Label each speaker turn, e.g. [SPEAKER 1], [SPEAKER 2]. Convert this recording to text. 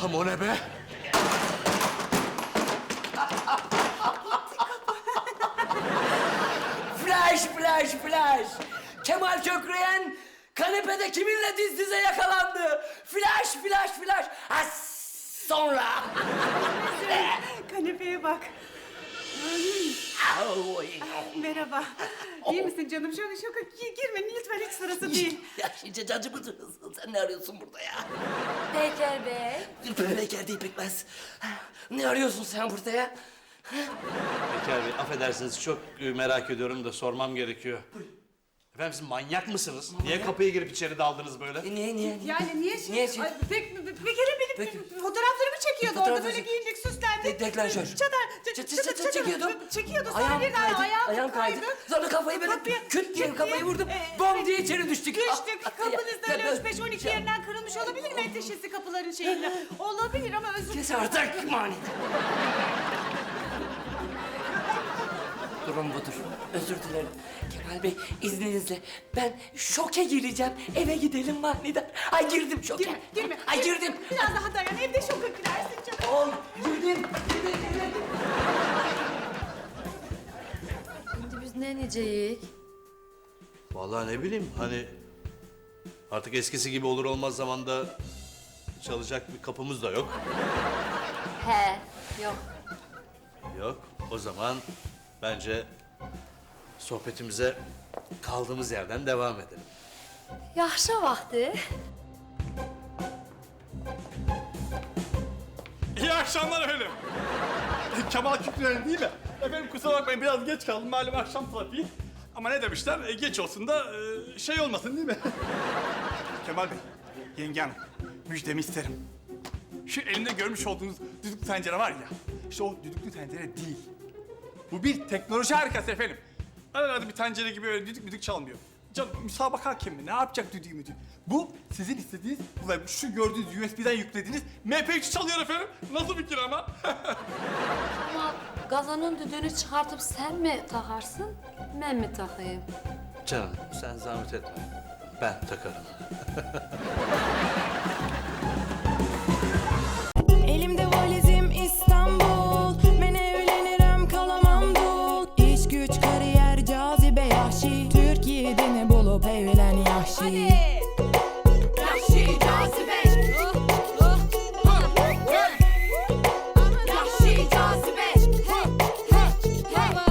[SPEAKER 1] Allah'ım o ne be?
[SPEAKER 2] Flash, flash, flash. Kemal Kökreyen kanepede kiminle diz dize yakalandı? Flash, flash, flash. Ha, sonra.
[SPEAKER 3] Kanepeye bak. Merhaba. İyi misin canım? Şöyle şoka girme lütfen, hiç sırası değil.
[SPEAKER 2] Ya şimdi cacı mısın? Sen ne arıyorsun burada ya?
[SPEAKER 4] Peker Bey.
[SPEAKER 2] Peker değil Pekmez. Ne arıyorsun sen burada ya?
[SPEAKER 1] Peker Bey, affedersiniz çok merak ediyorum da sormam gerekiyor. Efendim siz manyak mısınız? Niye kapıya girip içeri daldınız böyle?
[SPEAKER 2] Niye?
[SPEAKER 3] Yani niye şey?
[SPEAKER 2] Niye şey?
[SPEAKER 3] Ay, bir kere benim fotoğraflarımı çekiyordu orada, böyle giyindik, süslendik.
[SPEAKER 2] Deklanşör. Çekiyordu.
[SPEAKER 3] Çekiyordu, sonra
[SPEAKER 2] Ayağım
[SPEAKER 3] birden
[SPEAKER 2] kaydı.
[SPEAKER 3] ayağım
[SPEAKER 2] Ayağım kaydı. Sonra kafayı böyle küt diye kafayı vurdum. Bom diye içeri düştük.
[SPEAKER 3] Düştük. Kapınızda öyle 3-5-12 yerinden kırılmış olabilir mi? Menteşesi kapıların şeyinden. Olabilir ama özür
[SPEAKER 2] Kes artık manit. Durum budur. Özür dilerim. Kemal Bey izninizle ben şoke gireceğim. Eve gidelim manidar. Ay girdim şoke.
[SPEAKER 3] Girme.
[SPEAKER 2] Ay girdim.
[SPEAKER 3] Biraz daha dayan. Evde şoka girersin canım.
[SPEAKER 2] Ol girdim.
[SPEAKER 4] Şimdi biz ne diyeceğiz?
[SPEAKER 1] Vallahi ne bileyim hani artık eskisi gibi olur olmaz zamanda çalacak bir kapımız da yok.
[SPEAKER 4] He, yok.
[SPEAKER 1] Yok. O zaman bence sohbetimize kaldığımız yerden devam edelim.
[SPEAKER 4] Yaxşı vakti.
[SPEAKER 5] İyi akşamlar efendim. Kemal Kükreyen değil mi? Efendim kusura bakmayın biraz geç kaldım. Malum akşam trafiği. Ama ne demişler? Geç olsun da şey olmasın değil mi? Kemal Bey, yenge hanım, müjdemi isterim. Şu elimde görmüş olduğunuz düdüklü tencere var ya, işte o düdüklü tencere değil. Bu bir teknoloji harikası efendim. Arada bir tencere gibi öyle düdük çalmıyor. Canım müsabaka hakemi ne yapacak düdüğü müdüğü? Bu sizin istediğiniz, şu gördüğünüz USB'den yüklediğiniz MP3 çalıyor efendim. Nasıl fikir ama?
[SPEAKER 4] Ama qazanın düdüğünü çıkartıp sen mi takarsın, ben mi takayım?
[SPEAKER 1] Canım sen zahmet etme. Ben takarım.
[SPEAKER 6] Elimde valizim İstanbul. Ben evlenirim kalamam dul. İş güç kariyer cazibe yahşi. Türkiye'de ne bulup evlen yahşi.